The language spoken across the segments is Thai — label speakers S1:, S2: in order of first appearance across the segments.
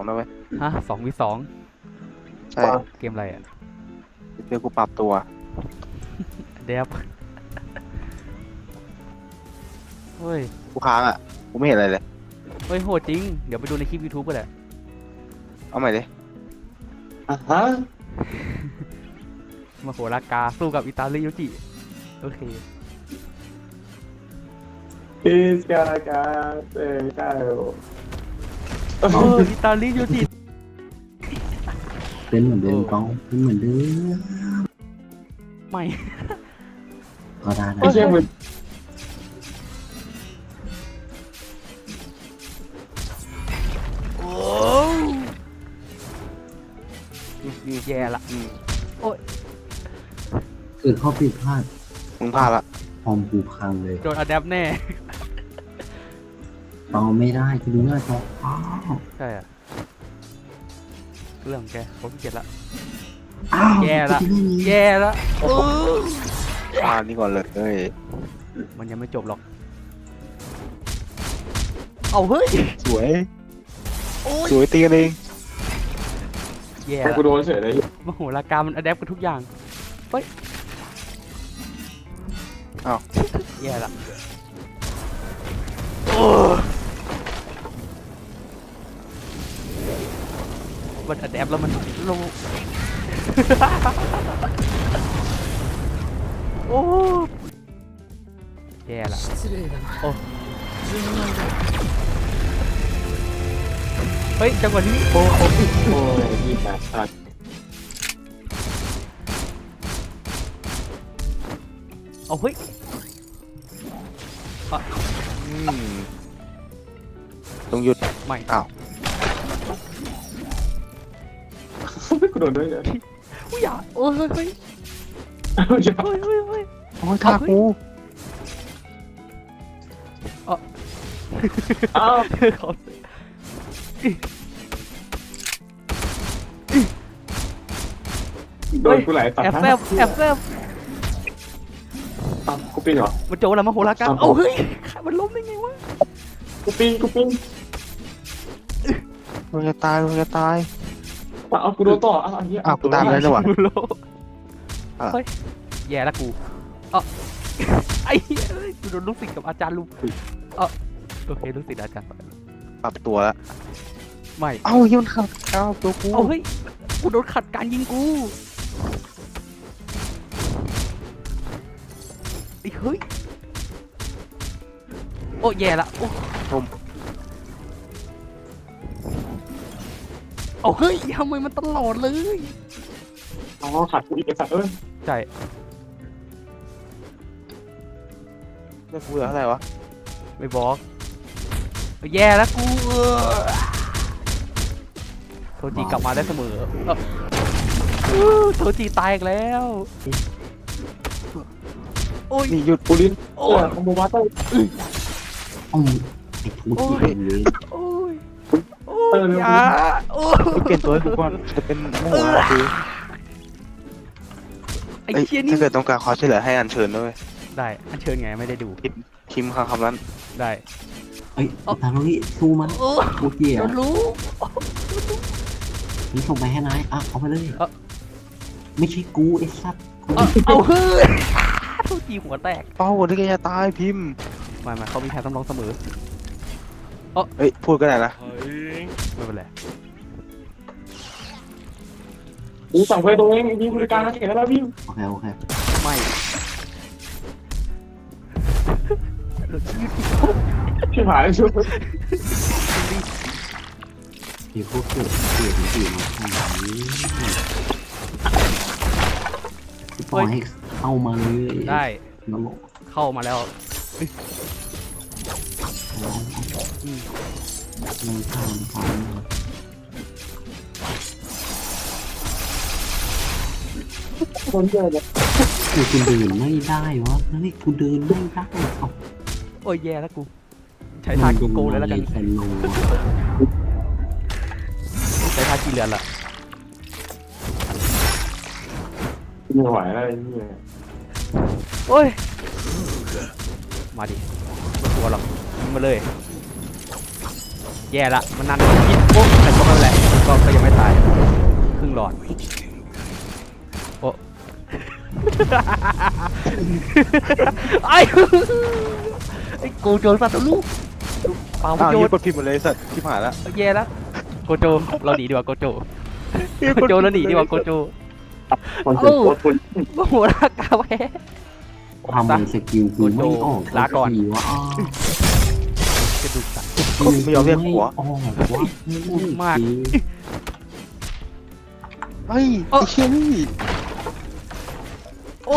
S1: นะเว้ย
S2: ฮะ2v2
S1: ใช่
S2: เกมอะไรอ่ะ
S1: เดี๋ยวกูปรับตัว
S2: เดฟเฮ้ย
S1: กูค้างอ่ะกูไม่เห็นอะไรเลย
S2: เฮ้ยโหดจริงเดี๋ยวไปดูในคลิป YouTube ก็ได้
S1: เอาใหม่ดิ
S3: ฮะ
S2: มาโหรากาสู้กับอิตาลีโยจิโอเค
S3: อิสกากาเซกาโอ
S2: อิตาลีโยจิ
S4: เป็นเหมือนเดิมกองเป็นเหมือนเดิม
S2: ไม่
S4: ก็ได้นะ
S3: ไม่ใช่มึง
S2: โอ้แย่ละ
S4: เกิดข้อผิดพลาด
S1: มึงพลาดละ
S4: คอมกูพังเลย
S2: โดนอะแดปแน่
S4: ต่อไม่ได้กูดูหน้าจออ้าว
S2: ใช่อะเรื่องของแกผมเกลียดละ
S4: อ้าว
S2: แย่ละ
S4: กูจะเล่นนี้
S2: แย่ละโอ้
S1: พลาดนี่ก่อนเลยเอ้ย
S2: มันยังไม่จบหรอกเอาเฮ้ย
S1: สวย
S2: โอ้ย
S1: สวยตีกันเอง
S2: แย่
S3: แต่
S2: ละ
S3: กูโดนเฉยเลย
S2: มโหรากามันอะแดปกับทุกอย่างเฮ้ยแย่ละโอ้มันอะแดปแล้วมันลง โอ้แย่ละโอ้เฮ้ยจังหวะนี้โอ้
S3: โอ้ยยี่แปดสัตว์
S2: เอาเฮ้ย
S1: อืมต้องหยุด
S2: ไม่
S1: อ้าว
S3: กูโดนด้วยเลย
S2: อุ้ยอย่าโอ้ยเฮ้ยเฮ้ย
S3: เอ้าอย่า
S2: เฮ้ยเฮ้ยเฮ้ย
S1: โอ้ยท่ากู
S3: อ้าว
S2: เขา
S3: โดนกูไหลตัด
S2: แอบแซบแอบแซบ
S3: กูปิ้งเหรอ
S2: มันโจรแล้วมาโหราการเอาเฮ้ยมันล้มได้ไงวะ
S3: กูปิ้ง
S1: มึงจะตายมึงจะตาย
S3: เอากูโดนต่อเอาอันนี้
S1: อ้าวกูตามเลย วะ
S2: โล
S1: อ่ะ
S2: เฮ้ยแย่ละกูเอ้าไอ้เหี้ยเอ้ยกูโดนลูกศิษย์กับอาจารย์ลุมโอเคลูกศิษย์อาจารย์
S1: ปรับตัวแล้ว
S2: ไม่
S1: เอ้ายิงขัดเอ้าตัวกู
S2: เอาเฮ้ยกูโดนขัดการยิงกูไอ้เฮ้ยโอ้แย่ละโอ้เอาเฮ้ยทำไมมันตลอดเลย
S3: อ๋อขัดกูอีกไอ้สัตว์เอ้ย
S2: ใช่
S1: เลือกกูเหลือเท่าไหร่วะ
S2: ไม่บอกแย่แล้วกูโทจิกลับมาได้เสมอโทจิตายอีกแล้วโอ้ย
S1: นี่หยุด
S3: กูลิ้น
S2: โอ้
S3: โอ้ยมึงมาต้อง
S4: อ้าวไอ้ทูที่เป็นเลย
S2: โอ้ยโอ้ยอย่าโอ้ย
S1: เปลี่ยนตัวให้กูก่อนจะเป็นโม่คือ
S2: ไอ้
S1: เอ้ย
S2: เชี่ยนี่
S1: ถ้าเกิดต้องการความช่วยเหลือให้อัญเชิญด้วย
S2: ได้อันเชิญไงไม่ได้ดู
S1: พิมพ์คำนั้น
S2: ได้
S4: เอ้ยตาโรนี่สู้มัน
S2: โอ้ย
S4: กูเกลีย
S2: โดนรู้
S4: นี่ส่งไปให้นายอ่ะเอาไปเลยไม่ใช่กูไอ้สัตว์
S2: เอาเฮ้ยโทจิหัวแตก
S1: เป้าที่แกจะตายพิมพ์
S2: มาเขามีแพ้ต้องร้องเสมอ
S1: เอ้ยพูดก็ได้นะ
S2: ไม่เป็นไร
S3: กูสั่งไปตัวเองยิงบริการนะเก่งแล้วพี่
S4: โอเคโอเค
S2: ไม่
S3: พี่หายชุบ
S4: มีพวกเกิดเกิดอื่นมาทำนี้ปล่อยให้เข้ามาเลย
S2: ได้
S4: นรก
S2: เข้ามาแล้ว
S4: ร้องมันข้ามพร้อม
S3: คนเยอะเลย
S4: กูเดินไม่ได้วะเฮ้ยกูเดินไม่ได้เอา
S2: โอ้ยแย่แล้วกู ใช้ทางโกเลยแล้วกัน
S4: แฟนโล
S2: ใช้ทางกี่เรือนละ
S3: ไม่ไหวแล้วไอ้นี่
S2: โอ้ย มาดิไม่กลัวหรอกยิงมาเลยแย่ละมันนานยิดโอ้แต่ก็ไม่เป็นไรก็ยังไม่ตายครึ่งหลอดโอ้ ไอ้โกโจสัตว์ลูกเปล่า
S1: อ้าว
S2: โย
S1: ยี่
S2: น
S1: กดผิดหมดเลยสัตว์ที่ผ่านแล้ว
S2: แย่แล้วโกโจเราหนีดีกว่าโกโจเราหนีดีกว่าโกโจ
S3: คนสุดโคตรคุณ
S2: โอ้โหรากาแพ้
S4: ทำไมสกิลกูไม่ออก
S2: ลาก่อน
S4: ทีวะ
S2: กระดูกสัตว์
S1: ไม่ยอมเรียกหัว
S4: ออกวะ
S2: พูดมาก
S1: เฮ้ยไอ้เชี่ยนี่
S2: โอ้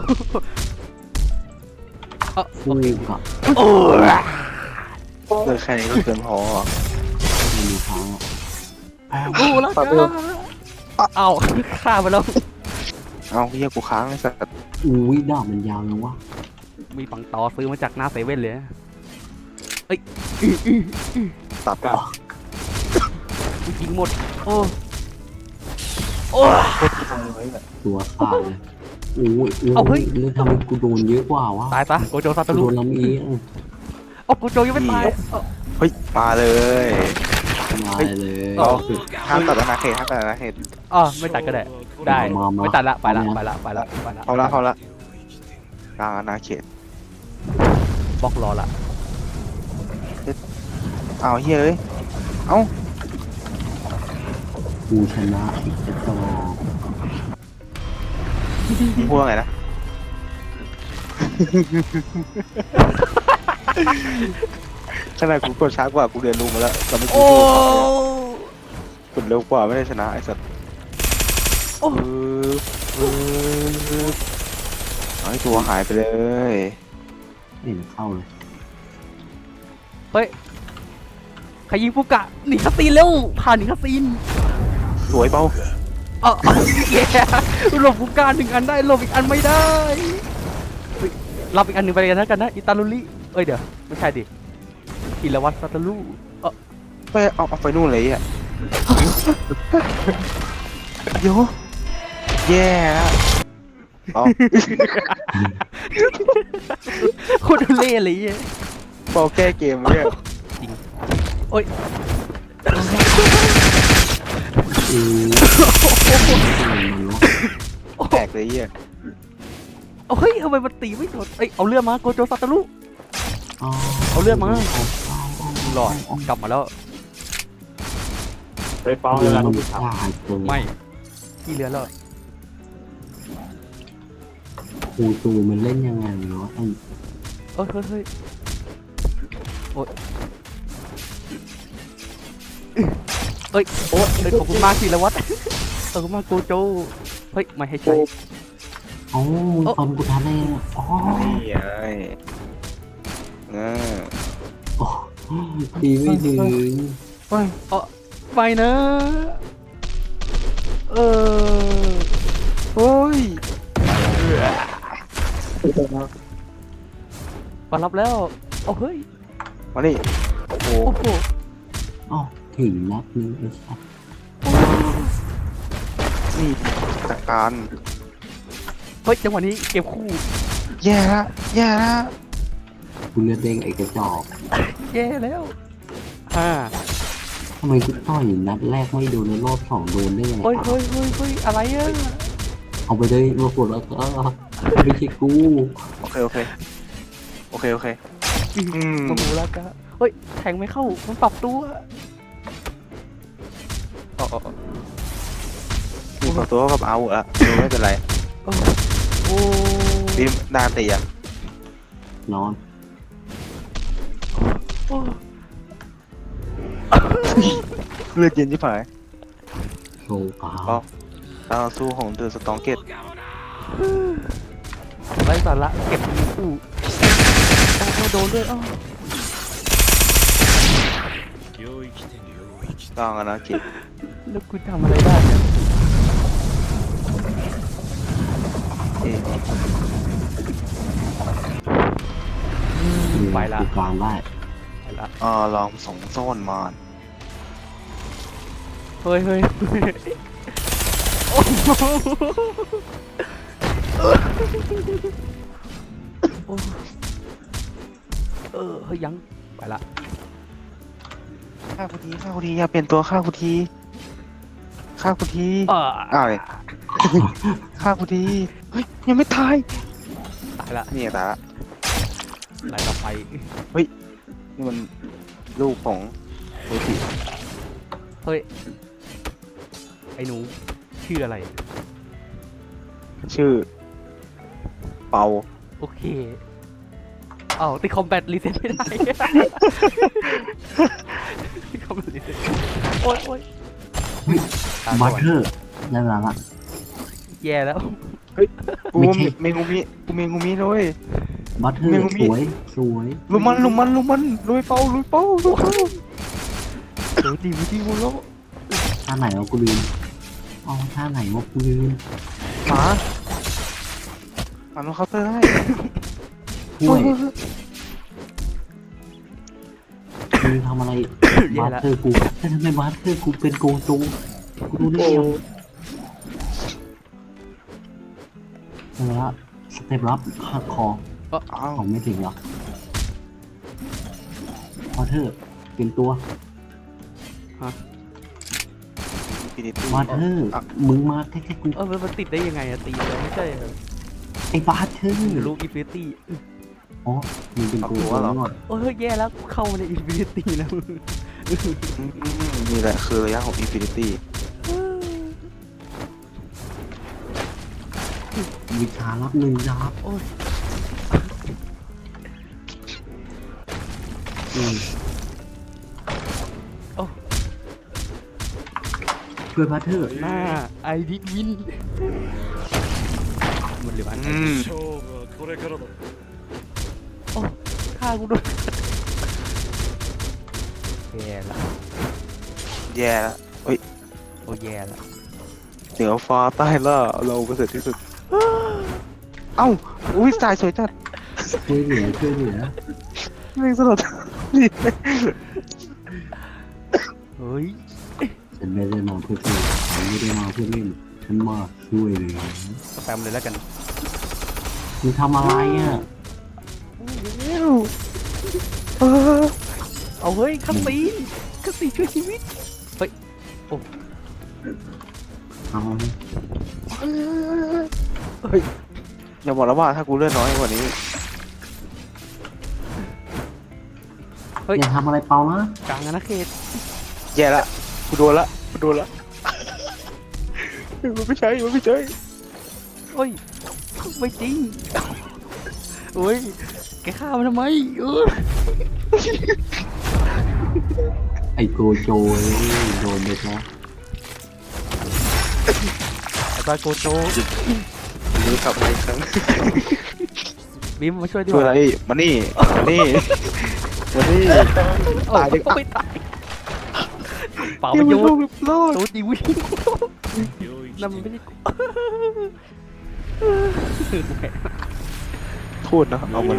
S4: ฟูกะ
S2: โอ้
S1: เกิดแค่นี้ก็เกินพอ
S4: ไม่มีทางอะ
S2: โอ้รากาเอาฆ่าไปแล้ว
S1: เอาเฮียกูค้างไอ้สัตว์
S4: อุ้ยดาบมันยาวยังวะ
S2: มีปังตอซื้อมาจากหน้าเซเว่นเลย
S1: ตัด
S2: ยิงหมดโอ้โอ้
S4: ตัวขาดเลยอุ้ย
S2: เอาเฮ้ย
S4: แล้วทำไมกูโดนเยอะกว่าวะ
S2: ตายซะโกโจซา
S4: กู
S2: ตา
S4: โด
S2: รุ
S4: นลำเอียง
S2: โอ้โกโจยังไม่ตาย
S1: เฮ้ยมาเลย
S4: มาเลย
S1: เราห้ามตัดอนาเขตห้ามตัดอนาเขต
S2: อ๋อไม่ตัดก็ได้ได้ไม่ตัดละไปละไปละไปละไปละ
S1: เอาละเอาละกลางอนาเขต
S2: บล็อกรอละ
S1: เอาเฮียเอ้ยเอ้า
S4: กูชนะอีกแล้ว
S1: มึงพูดว่าไงนะ ขนาดกูกดช้ากว่ากูเรียนรู้มาแล้วแต่ไม่กู
S2: โอ้
S1: กดเร็วกว่าไม่ได้ชนะไอ้สัตว์
S2: โอ้
S1: เอาให้ตัวหายไปเลย
S4: ไม่เห็นเข้าเลย
S2: เฮ้ยใครยิงฟุกะหนีคาซีนเร็วผ่านหนีคาซีน
S1: สวยเปล่า
S2: แย่หลบฟุกะหนึ่งอันได้หลบอีกอันไม่ได้เฮ้ยรับอีกอันหนึ่งไปกันนะอิตาลุริเอ้ยเดี๋ยวไม่ใช่ดิอิรวัตซาตารุ
S1: ไปเอาไปนู่นเลยอ่ะโยแย่แล้วเอา
S2: โคตรเล่เลยอ่ะ
S1: เปาแก้เกมเนี่ย
S2: โอ้ย
S1: แตกเลยอ่ะ
S2: เฮ้ยทำไมมันตีไม่โดนเอ้ยเอาเลือดมาโกโจซาตารุ เอาเลือดมาหลอดกลับมาแล้ว
S3: ไปฟ้องเวลาต้องพูดถาม
S2: ไม่ที่เรือแล้ว
S4: ครูตูมันเล่นยังไงเนาะไอ้
S2: เฮ้ยเฮ้ยโอ้ยเอ้ยโอ้ยขอบคุณมากสิละวัดขอบคุณมากโกโจเฮ้ยไม่ให้ใช้
S4: เอ้ามึงตอนกูทันเลยอ๋อ
S1: นี่ไงอ่า
S4: โอ้ตีไม่ถึง
S1: เฮ้ย
S2: ไปนะ
S1: เฮ้ย
S2: มารับแล้วโอ้เฮ้ย
S1: มานี่โอ้โห
S2: โอ้โห
S4: อ๋อถึงนัดนึงไอ้สัส
S1: นี่จัดการ
S2: เฮ้ยจังหวะนี้เกมคู่
S1: แย่ละแย่ละ
S4: กูเลือดเด้งไอ้กระจอก
S2: แย่แล้วอ่า
S4: ทำไมกูต่อยนัดแรกไม่โดนแล้วรอบสองโดนได้ยังไง
S2: เฮ้ยเฮ้ยเฮ้ยเฮ้ยอะไรอ่ะ
S4: เอาไปเลยมาปวดแล้วก็ไม่ใช่กู
S1: โอเคโอเคโอเคโอเคอืม
S2: โอ้โหแล้วก็เฮ้ยแทงไม่เข้ามันปรับตัวอ๋อ
S1: มีขอตัวกับเอาอะไม่เป็นไร
S2: โอ้โอ้
S1: บีมดาตีอะ
S4: นอน
S2: โอ้
S1: เลือดเย็นที่ผาย
S4: โชว์กา
S1: อ๋อดาวสู้ของเดอะสตองเกต
S2: ไร้สาระเก็บมือคู่โอ้โดนด้วยอ้าว
S1: กลางอนาเขต
S2: แล้วกูทำอะไรได้เนี่ย
S1: เอ๊ะ
S2: ไปละ
S4: กลางได้
S2: ไปละ
S1: ลองส่งซ่อนมาน
S2: เฮ้ยเฮ้ยโอ้โหโอ้เฮ้ยยังไปละ
S1: ฆ่ากูทีฆ่ากูทีอย่าเปลี่ยนตัวฆ่ากูทีฆ่ากูที
S2: อ่า
S1: อ้าวเลยฆ่ากูทีเฮ้ยยังไม่ตาย
S2: ตายละ
S1: นี่ตายละ
S2: ไหลต่อไป
S1: นี่มันลูกของโอติ
S2: เฮ้ยไอ้หนูชื่ออะไร
S1: ชื่อ เปา
S2: โอเคเอ้าติดคอมแบทรีเซ็ตไม่ได้ ติดคอมแบทรีเซ็ตโอ๊ยโอ๊ยตา
S4: บัต
S2: สว
S4: เต
S2: ย
S4: อร์ได้เวลาละ
S2: แย่แล้ว
S1: กู
S4: ไม่ใช่
S1: เมงูมิกูเมงูมิเลย
S4: บัตเตอร์
S1: ไม่รู้มี
S4: สวยสวย
S1: ลุมมันลุยเปาลุยเปาลุยเปา
S2: เดี๋ยวดีวิธีมูโล
S4: ท่าไหนวะกูลืมอ๋อท่าไหนวะกูลืม
S1: หมามันเคาน์เตอร์ได้
S4: ห่วยมึงทำอะไร
S2: แย่
S4: บัต
S2: แล้ว
S4: เตอร์กูแต่ทำไมบัตเตอร์กูเป็นโกงจูกูรู้ได้ยังเวลาสเต็ปรับหักคอ
S1: อ้าว
S4: ของไม่ถึงหรอกบัตเตอร์เป็นตัว
S1: อินฟินิตี้
S4: บัตเตอร์มึงมาแค่กู
S2: มันติดได้ยังไงอะตีเลยไม่ใช่เหรอ
S4: ไอ้บัตเตอร์
S2: ลูกอินฟินิตี้
S4: อ๋อมึงเป็นโกงจูก่อน
S2: โอ้ยแย่แล้วเข้ามาในอินฟินิตี้แล้ว
S1: นี่แหละคือระยะของอินฟินิตี้
S4: วิชารับหนึ่งยับ
S2: โอ้ย
S4: อืม
S2: โอ้
S4: ช่วยบัตเตอร์
S2: หน้าไอดิวินมันเหลืออัน
S5: 勝負はこれからだ
S2: โอ้ฆ่ากูโดนแย่ละ
S1: แย่แล้ว
S2: โอ้แย่ละ
S1: เหนือฟ้าใต้ล่าเราประเสริฐที่สุด เอ้าอุ้ยสายสวยจัด
S4: ช่วยเหลือช่วยเหลือ
S1: แม่งสลดนี่
S2: เฮ้ย
S4: ฉันไม่ได้มาเพื่อเล่นฉันไม่ได้มาเพื่อเล่นฉันมาช่วยเหลือ
S2: สแปมเลยแล้วกัน
S4: มึงทำอะไรอ่ะ
S1: เออ
S2: เอาเฮ้ยคัสซีช่วยชีวิตเฮ้ย
S4: ทำอะไร
S1: เฮ้ยอย่าบอกแล้วว่าถ้ากูเลือดน้อยกว่านี้
S2: เฮ้ย
S4: อย่าทำอะไรเปล่านะ
S2: กลางอาณาเขต
S1: แย่ละกูโดนละมันไม่ใช่
S2: เฮ้ยไม่จริงเฮ้ยแกฆ่ามันทำไม
S4: ไอโกโจโดนเด็กแล้ว
S2: ไอ้ปลาโกโจ
S1: มือกลับมาอีกครั้ง
S2: บีมมาช่วยด้
S1: ช่
S2: ว
S1: วย
S2: ย
S1: อะไรมานี่ตายดิ
S2: ไม่ตายเปล่า
S1: เก
S2: ป
S1: ม
S2: ระโย
S1: มัน
S2: ชน์
S1: รอด
S2: โดนดีวิ่ง
S5: 領域
S2: นั่นมันไม่ได้
S1: พูดนะเอามาเลย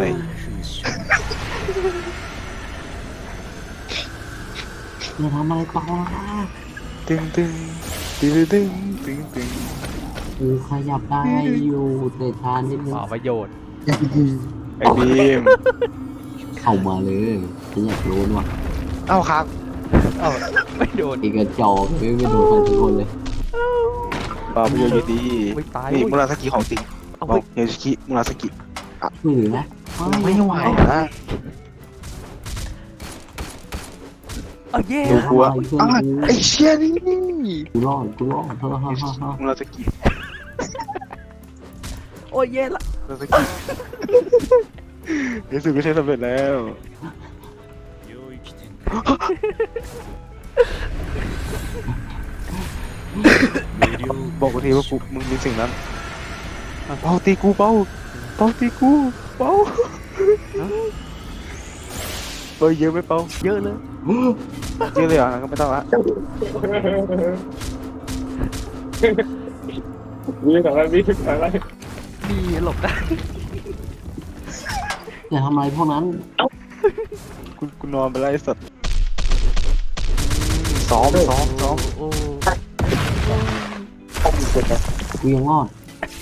S4: อย่าทำอะไรเปล่านะ
S1: ตึง
S4: กูขยับได้อยู่แต่ทานนิดนึ
S2: เป
S4: ง
S2: ล่าประโยชน์
S1: ไอ้บีม
S4: เข้ามาเลยฉันอยากรู้ว่ะ
S1: เอ้าครับ
S2: เอ้าไม่โดน
S4: ไอ้กระจอกไม่โดนใครทุกคนเลย
S1: ปาประโยชน์อยู่ดี
S2: ไม่ตาย
S1: นี่
S2: เว้ย
S1: มุราสกิของจริง
S2: เอา
S1: บอ
S2: เฮ้
S1: ก
S2: ย
S1: เฮชิคิมุราสกิ
S4: ช่วยเหลือนะ
S1: ไม่ไหวนะ
S2: เอาแย่
S1: ดูกลัว
S4: ทำอะไรเพื่อน
S1: อ้าวไอ้เชี่ยนี่
S4: กูรอดเฮ้อ
S1: มุราสกิ
S2: โอ้ยแย่ละ
S1: มุราสกิรู้สึกไม่ใช่สำเร็จแล้ว
S5: 領域展開無料
S1: บอกกูทีว่ากูมึงมีสิ่งนั้นเปาตีกูเปาตีกูเปาเยอะไหมเปา
S2: เยอะเลย
S1: เยอะเลยเหรองั้นก็ไม่ต้องละ
S3: วิ่งอะไร
S2: มีหลบได้
S4: อย่าทำอะไรพวกนั้น
S1: กูนอนไปแล้วไอ้สัตว์ซ้อม
S2: โอ้
S4: กูยังรอด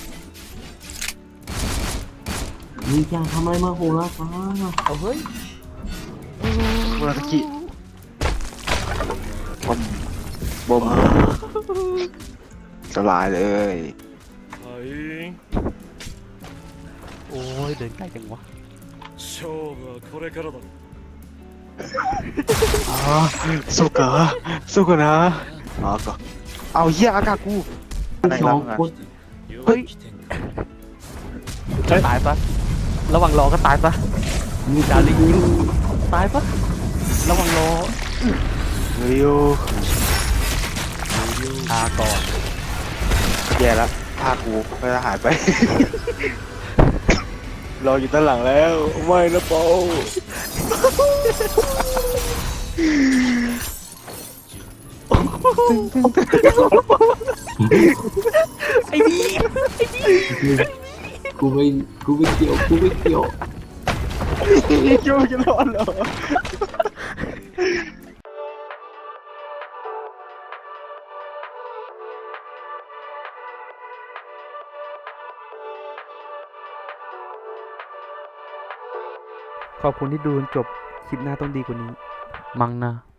S4: มึงจะทำอะไรมาโหราฟ้า
S2: เอาเฮ้ย
S1: มุราสกิบอมบอมสบายเลย
S5: はい
S2: โอ้ยเดินใกล้จังวะ
S5: 勝負はこれからだ
S1: อ๋อสู้กันสู้กันนะอ๋อก็เอาเหี้ยอากาศกูอะไร
S4: ส
S1: ล่ะ
S4: อง
S1: มึงอะ
S4: คน
S5: 領域展開
S2: ตายปะระหว่างรอก็ตายปะ
S4: มี
S2: ดาริยิงตายปะระหว่างรอ
S1: เร็ว
S2: ก่อน
S1: แย่แล้วท่ากูก็จะหายไป รออยู่ด้านหลังแล้วไม่นะโป
S2: ไอ้นี่
S4: กูไม่กูไม่เกี่ยวกูไม่เกี่ยว
S1: คิดว่าจะรอดเหรอ
S2: ขอบคุณที่ดูจนจบ คลิปหน้าต้องดีกว่านี้ มั้งนะ